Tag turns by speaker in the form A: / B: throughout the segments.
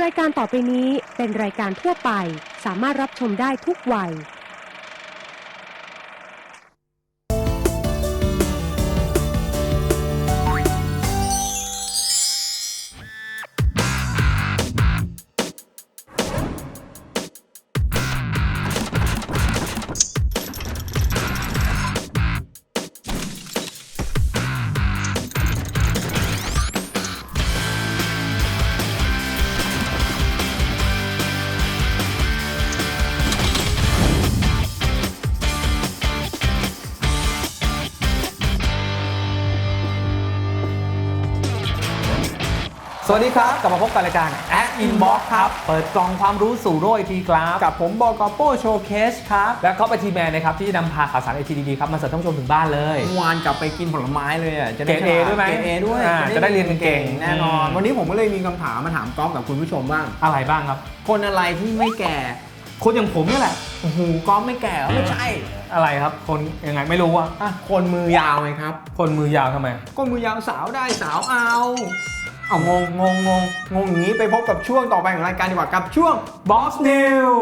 A: รายการต่อไปนี้เป็นรายการทั่วไปสามารถรับชมได้ทุกวัย
B: สวัสดีครับกลับมาพบกันรายการ At Inbox ครับเปิดกล่องความรู้สู่โลกไอทีครับ
C: กับผมบก.โป้โชว์เคสครับ
B: และก็ไปทีแมนนะครับที่จะนำพาข่าวสารไอทีดีๆครับมาเสิร์ฟท่านผู้ชมถึงบ้านเลย
C: เมื่อวานกลับไปกินผลไม้เลยอ่ะ
B: เกรด A ด้วยไหม
C: เกรด A ด้วย
B: จะได้เรียนเก่งๆ
C: แน่นอน วันนี้ผมก็เลยมีคำถามมาถามก๊อฟกับคุณผู้ชมบ้าง
B: อะไรบ้างครับ
C: คนอะไรที่ไม่แก่
B: คนอย่างผมนี่แหละ
C: โอ้โหก๊อฟไม่แก่เหรอไม่ใช่
B: อะไรครับคนยังไงไม่รู้อะ
C: คนมือยาวไงครับ
B: คนมือยาวทำไม
C: คนมือยาวสาวได้สาวเอางงอย่างนี้ไปพบกับช่วงต่อไปของรายการดีกว่ากับช่วง
B: Box New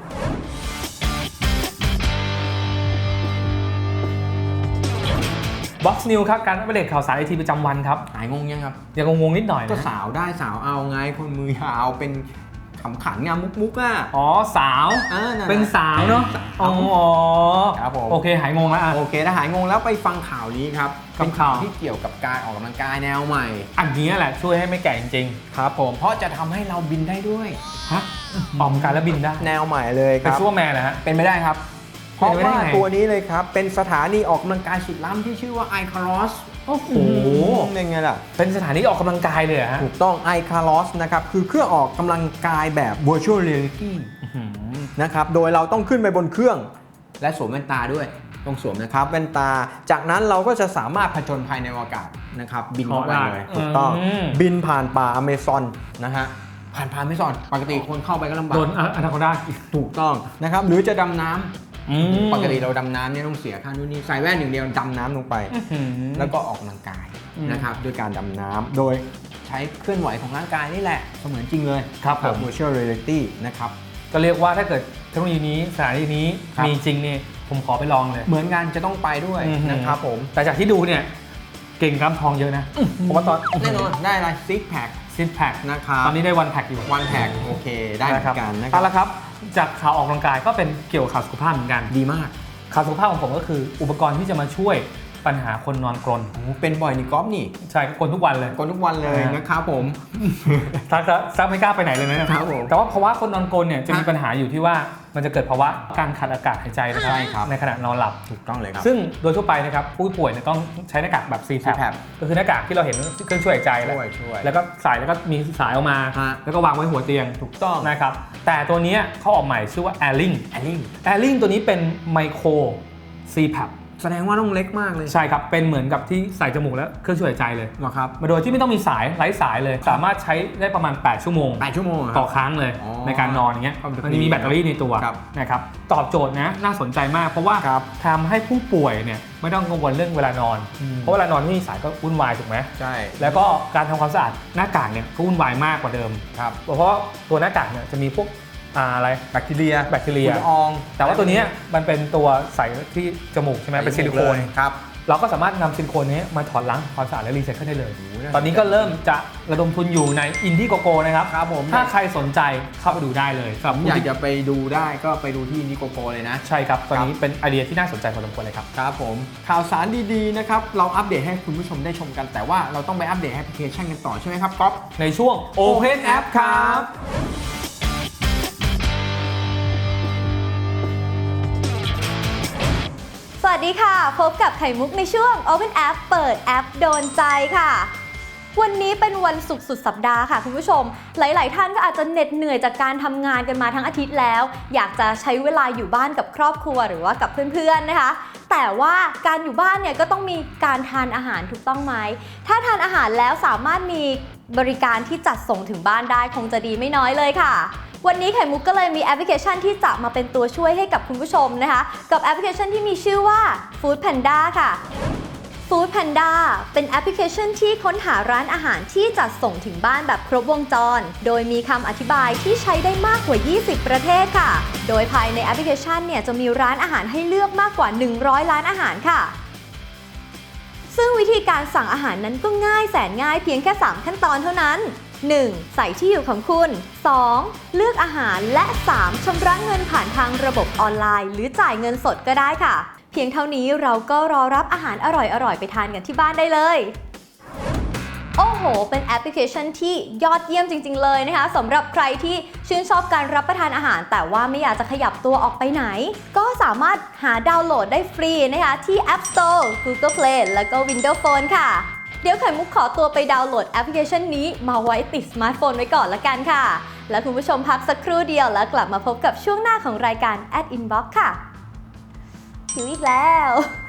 B: Box New ครับการอัปเดตข่าวสารไอทีประจำวันครับ
C: หายงงยังครับ
B: ยังงงๆนิดหน่อย
C: ก็
B: นะ
C: สาวได้สาวเอาไงคนมือยาวเป็นขำขันงามมุกอ่ะ
B: อ๋อสาว
C: นั่นแหละ
B: เป็นสาวเนาะอ๋อ
C: ครับผม
B: โอเคหายงงแล้วอะ
C: โอเคถ้าหายงงแล้วไปฟังข่าวนี้ครับ
B: กับ
C: เป็น
B: ข่าว
C: ที่เกี่ยวกับการออกกำลังกายแนวใหม่
B: อันนี้แหละช่วยให้ไม่แก่จริง
C: ครับผมเพราะจะทำให้เราบินได้ด้วย
B: ๆฮะออกกำลังกายแล้วบินได้
C: แนวใหม่เลยค
B: เป็น
C: รับ
B: ซูเปอร์แมนนะฮะ
C: เป็นไม่ได้ครับ เพ
B: เป็น
C: ราะ
B: ไปได้
C: ว่า
B: ไง
C: ตัวนี้เลยครับเป็นสถานีออกกำลังกายสุดล้ำที่ชื่อว่า iCaros
B: โอ้โห
C: เป็นไงล่ะ
B: เป็นสถานที่ออกกำลังกายเลยเหรอฮะ
C: ถูกต้อง iCaros นะครับคือเครื่องออกกำลังกายแบบ virtual reality นะครับโดยเราต้องขึ้นไปบนเครื่องและสวมแว่นตาด้วยต้องสวมนะครับแว่นตาจากนั้นเราก็จะสามารถผจญภัยในอากาศนะครับบินเข้าไปเลยถูกต้องบินผ่านป่าอเมซอนนะฮะผ่านอเมซอนปกติคนเข้าไปก็ลำบาก
B: โดนอนาคอนดา
C: ถูกต้องนะครับหรือจะดำน้ำปกติเราดำน้ำเนี่ยต้องเสียค่านู่นนี่ใส่แว่นอย่างเดียวดำน้ำลงไป แล้วก็ออกกำลังกายนะครับด้วยการดำน้ำโดยใช้เคลื่อนไหวของร่างกายนี่แหละเสมือนจริงเลย
B: ครับผม
C: virtual reality นะครับ
B: ก็เรียกว่าถ้าเกิดเทคโนโลยีนี้สถานที่นี้
C: ครับ
B: มีจริงนี่ผมขอไปลองเลย
C: เหมือนกันจะต้องไปด้วยนะครับผม
B: แต่จากที่ดูเนี่ยเก่งกล้ามทองเยอะนะผมว่าตอน
C: แน่นอนได้อะไรซิกแพค
B: ซิทแพค
C: นะครับ
B: ตอนนี้ได้วันแพคอยู่
C: วันแพคโอเคได้เหมือนกันนะค
B: เอา
C: รับ
B: ละครับจากข่าวออกกำลังกายก็เป็นเกี่ยวกับข่าวสุขภาพเหมือนกัน
C: ดีมาก
B: ข่าวสุขภาพของผมก็คืออุปกรณ์ที่จะมาช่วยปัญหาคนนอนกรน
C: โอ้โหเป็นบ่อยนี่ก๊อฟนี่
B: ใช่ก็กรนทุกวันเลย
C: ก่อนทุกวันเลยนะครับผม
B: ซักไม่กล้าไปไหนเลยนะครับ
C: ผม
B: แต่ว่าภาวะคนนอนกรนเนี่ยจะมี
C: ครับ
B: ปัญหาอยู่ที่ว่ามันจะเกิดภาวะการขาดอากาศหายใจนะครับ
C: ใช่ครับ
B: ในขณะนอนหลับ
C: ถูกต้องเลยครับ
B: ซึ่งโดยทั่วไปนะครับผู้ป่วยเนี่ยต้องใช้หน้ากากแบบ CPAP
C: CPAP
B: ก็คือหน้ากากที่เราเห็นเครื่องช่วยหายใจแหละ
C: ช่วย
B: แล้วก็ใส่แล้วก็มีสายออกมา
C: ฮะ
B: แล้วก็วางไว้หัวเตียง
C: ถูกต้อง
B: นะครับแต่ตัวเนี้ยเขาออกใหม่ชื่อว่า Airlink
C: แอลลิ่ง
B: Airlink ตัวนี้เป็นไมโคร CPAP
C: แสดงว่าต้องเล็กมากเลย
B: ใช่ครับเป็นเหมือนกับที่ใส่จมูกแล้วเครื่องช่วยหายใจเลย
C: เหรอครับ
B: มาโดยที่ไม่ต้องมีสายไร้สายเลย สามารถใช้ได้ประมาณ8ชั่วโมง
C: 8 ชั่วโมงเหรอค
B: ต่
C: รั
B: อบ ครั้งเลย
C: อ๋อ
B: ในการนอนอย่างเงี้ย
C: ครับ
B: มันมีแบตเตอรี่ในตัว
C: ครับ
B: นะครับตอบโจทย์นะน่าสนใจมากเพราะว่า
C: ครับ
B: ทำให้ผู้ป่วยเนี่ยไม่ต้องกังวลเรื่องเวลานอน เพราะเวลานอนไม่มีสายก็วุ่นวายถูกไหม
C: ใช่
B: แล้วก็การทำความสะอาดหน้ากากเนี่ยก็วุ่นวายมากกว่าเดิม
C: ครับ
B: เพราะว่าตัวหน้ากากเนี่ยจะมีพวกอะไร
C: แบคทีเรีย
B: แบคทีเรีย
C: ฝุ่นละออง
B: แต่ว่าตัวเนี้ยมันเป็นตัวใส่ที่จมูกใช่ไหมเป็นซิลิโคน
C: ครับ
B: เราก็สามารถนำซิลิโคนนี้มาถอดล้างความสะอาดและรีไซเคิลได้เลย
C: โอ้โหน่า
B: ตอนนี้ก็เริ่มจะระดมทุนอยู่ในอินดี้โกโกนะครับ
C: ครับผม
B: ถ้าใครสนใจเข้าไปดูได้เลยสำหรับ
C: ผม
B: ผู้
C: อยาก
B: ที่
C: จะไปดูได้ก็ไปดูที่นิโกโกเลยนะ
B: ใช่ครับ ตอนนี้เป็นไอเดียที่น่าสนใจพอสมควรเลยครับ
C: ครับผมข่าวสารดีๆนะครับเราอัปเดตให้คุณผู้ชมได้ชมกัน แต่ว่าเราต้องไปอัปเดตแอปพลิเคชันกันต่อใช่ไหมครับก๊อฟ
B: ในช่วง Open App ครับ
D: สวัสดีค่ะ พบกับไข่มุกในช่วง Open App เปิดแอปโดนใจค่ะ วันนี้เป็นวันศุกร์สุดสัปดาห์ค่ะคุณผู้ชม หลายๆท่านก็อาจจะเหน็ดเหนื่อยจากการทำงานกันมาทั้งอาทิตย์แล้ว อยากจะใช้เวลาอยู่บ้านกับครอบครัวหรือว่ากับเพื่อนๆนะคะ แต่ว่าการอยู่บ้านเนี่ยก็ต้องมีการทานอาหารถูกต้องไหม ถ้าทานอาหารแล้วสามารถมีบริการที่จัดส่งถึงบ้านได้คงจะดีไม่น้อยเลยค่ะ วันนี้ไข่มุกก็เลยมีแอปพลิเคชันที่จะมาเป็นตัวช่วยให้กับคุณผู้ชมนะคะกับแอปพลิเคชันที่มีชื่อว่า Food Panda ค่ะ Food Panda เป็นแอปพลิเคชันที่ค้นหาร้านอาหารที่จัดส่งถึงบ้านแบบครบวงจร โดยมีคำอธิบายที่ใช้ได้มากกว่า 20 ประเทศค่ะ โดยภายในแอปพลิเคชันเนี่ยจะมีร้านอาหารให้เลือกมากกว่า 100 ร้านอาหารค่ะ ซึ่งวิธีการสั่งอาหารนั้นก็ง่ายแสนง่ายเพียงแค่ 3 ขั้นตอนเท่านั้น 1. ใส่ที่อยู่ของคุณ 2. เลือกอาหาร และ 3. ชำระเงินผ่านทางระบบออนไลน์หรือจ่ายเงินสดก็ได้ค่ะ เพียงเท่านี้เราก็รอรับอาหารอร่อยๆไปทานกันที่บ้านได้เลย โอ้โห เป็นแอปพลิเคชันที่ยอดเยี่ยมจริงๆเลยนะคะสำหรับใครที่ชื่นชอบการรับประทานอาหาร แต่ว่าไม่อยากจะขยับตัวออกไปไหน ก็สามารถหาดาวน์โหลดได้ฟรีนะคะที่ App Store Google Play แล้วก็ Windows Phone ค่ะ เดี๋ยวไข่มุกขอตัวไปดาวน์โหลดแอปพลิเคชันนี้มาไว้ติดสมาร์ทโฟนไว้ก่อนละกันค่ะ แล้วคุณผู้ชมพักสักครู่เดียวแล้วกลับมาพบกับช่วงหน้าของรายการ Inbox ค่ะหิวอีกแล้ว